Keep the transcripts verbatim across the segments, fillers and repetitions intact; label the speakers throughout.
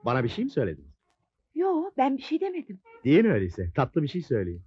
Speaker 1: Bana bir şey mi söyledin?
Speaker 2: Yo, ben bir şey demedim.
Speaker 1: Değil öyleyse. Tatlı bir şey söyleyin.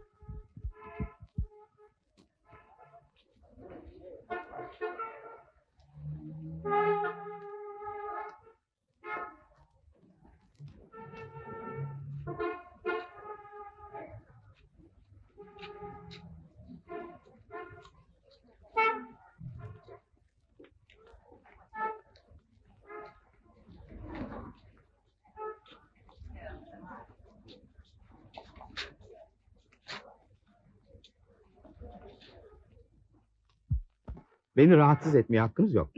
Speaker 1: Beni rahatsız etmeye hakkınız yok.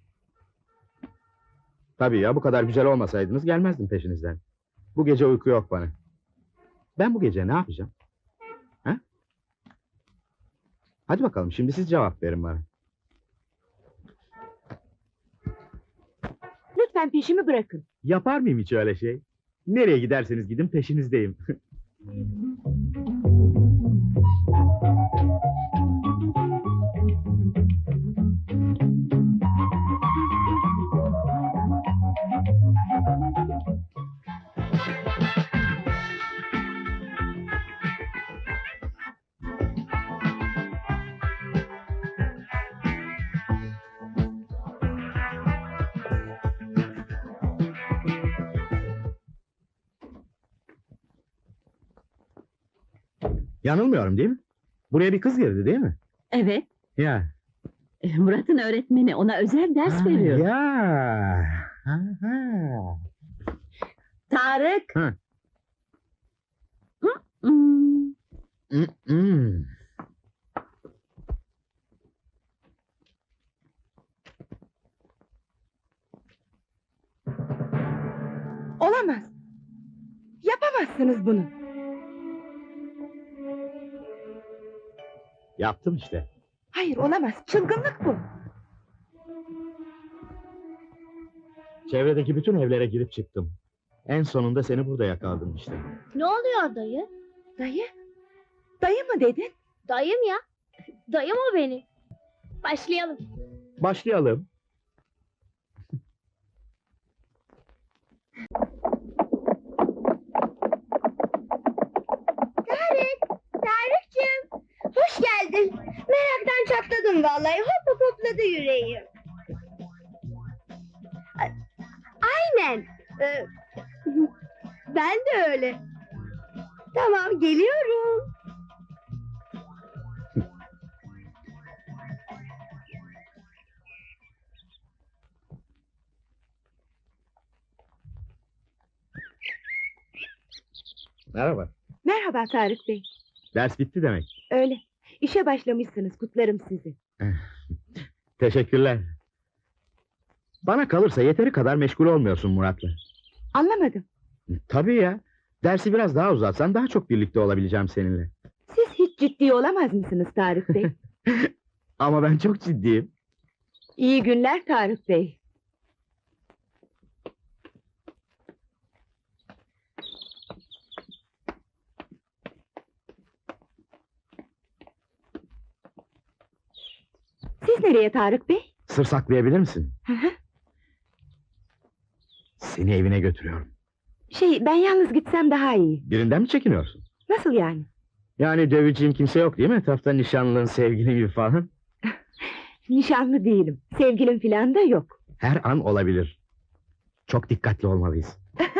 Speaker 1: Tabii ya, bu kadar güzel olmasaydınız gelmezdim peşinizden. Bu gece uyku yok bana. Ben bu gece ne yapacağım? Ha? Hadi bakalım, şimdi siz cevap verin bana.
Speaker 2: Lütfen peşimi bırakın.
Speaker 1: Yapar mıyım hiç öyle şey? Nereye giderseniz gidin peşinizdeyim. Yanılmıyorum değil mi? Buraya bir kız girdi değil mi?
Speaker 3: Evet,
Speaker 1: Ya.
Speaker 3: Murat'ın öğretmeni ona özel ders
Speaker 1: Ha,
Speaker 3: veriyor.
Speaker 1: ya. Ha, ha.
Speaker 3: Tarık!
Speaker 1: Hı.
Speaker 3: Hmm,
Speaker 1: Mm, mm.
Speaker 2: Olamaz. Yapamazsınız bunu.
Speaker 1: Yaptım işte.
Speaker 2: Hayır, olamaz. Çılgınlık bu.
Speaker 1: Çevredeki bütün evlere girip çıktım. En sonunda seni burada yakaladım işte.
Speaker 4: Ne oluyor dayı?
Speaker 2: Dayı? Dayı mı dedin?
Speaker 4: Dayım ya. Dayım o benim. Başlayalım.
Speaker 1: Başlayalım.
Speaker 4: Tarık, Tarık'cığım. Hoş geldin. Meraktan çatladım vallahi. Hop hop hopladı yüreğim. A- Aynen. Ee, ben de öyle. Tamam, geliyorum.
Speaker 1: Merhaba.
Speaker 2: Merhaba Tarık Bey.
Speaker 1: Ders bitti demek.
Speaker 2: Öyle. İşe başlamışsınız. Kutlarım sizi.
Speaker 1: Teşekkürler. Bana kalırsa yeteri kadar meşgul olmuyorsun Murat'la.
Speaker 2: Anlamadım.
Speaker 1: Tabii ya. Dersi biraz daha uzatsan daha çok birlikte olabileceğim seninle.
Speaker 2: Siz hiç ciddi olamaz mısınız Tarık Bey?
Speaker 1: Ama ben çok ciddiyim.
Speaker 2: İyi günler Tarık Bey. Siz nereye Tarık Bey?
Speaker 1: Sır saklayabilir misin?
Speaker 2: Hı hı.
Speaker 1: Seni evine götürüyorum.
Speaker 2: Şey, ben yalnız gitsem daha iyi.
Speaker 1: Birinden mi çekiniyorsun?
Speaker 2: Nasıl yani?
Speaker 1: Yani döveceğin kimse yok değil mi? Etrafta nişanlın, sevgilin gibi falan.
Speaker 2: Nişanlı değilim. Sevgilim filan da yok.
Speaker 1: Her an olabilir. Çok dikkatli olmalıyız.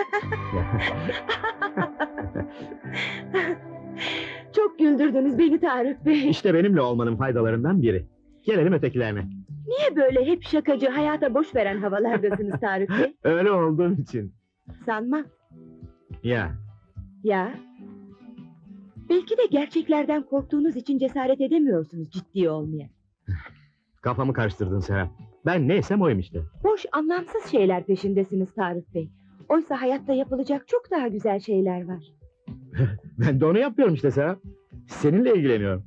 Speaker 2: Çok güldürdünüz beni Tarık Bey.
Speaker 1: İşte benimle olmanın faydalarından biri. Gelelim ötekilerine.
Speaker 2: Niye böyle hep şakacı, hayata boş veren havalardasınız Tarık Bey?
Speaker 1: Öyle olduğum için.
Speaker 2: Sanmam.
Speaker 1: Ya.
Speaker 2: Ya. Belki de gerçeklerden korktuğunuz için cesaret edemiyorsunuz ciddi olmaya.
Speaker 1: Kafamı karıştırdın Serap. Ben neysem oyum işte.
Speaker 2: Boş, anlamsız şeyler peşindesiniz Tarık Bey. Oysa hayatta yapılacak çok daha güzel şeyler var.
Speaker 1: Ben de onu yapıyorum işte Serap. Seninle ilgileniyorum.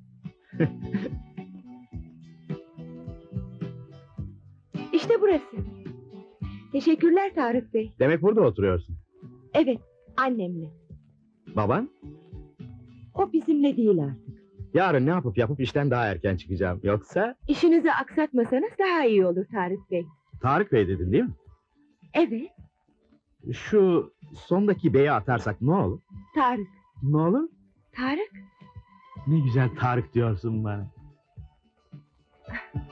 Speaker 2: İşte burası. Teşekkürler Tarık Bey.
Speaker 1: Demek burada oturuyorsun.
Speaker 2: Evet, annemle.
Speaker 1: Baban?
Speaker 2: O bizimle değil artık.
Speaker 1: Yarın ne yapıp yapıp işten daha erken çıkacağım. Yoksa...
Speaker 2: İşinizi aksatmasanız daha iyi olur Tarık Bey.
Speaker 1: Tarık Bey dedin değil mi?
Speaker 2: Evet.
Speaker 1: Şu sondaki beyi atarsak ne olur?
Speaker 2: Tarık.
Speaker 1: Ne olur?
Speaker 2: Tarık.
Speaker 1: Ne güzel Tarık diyorsun bana.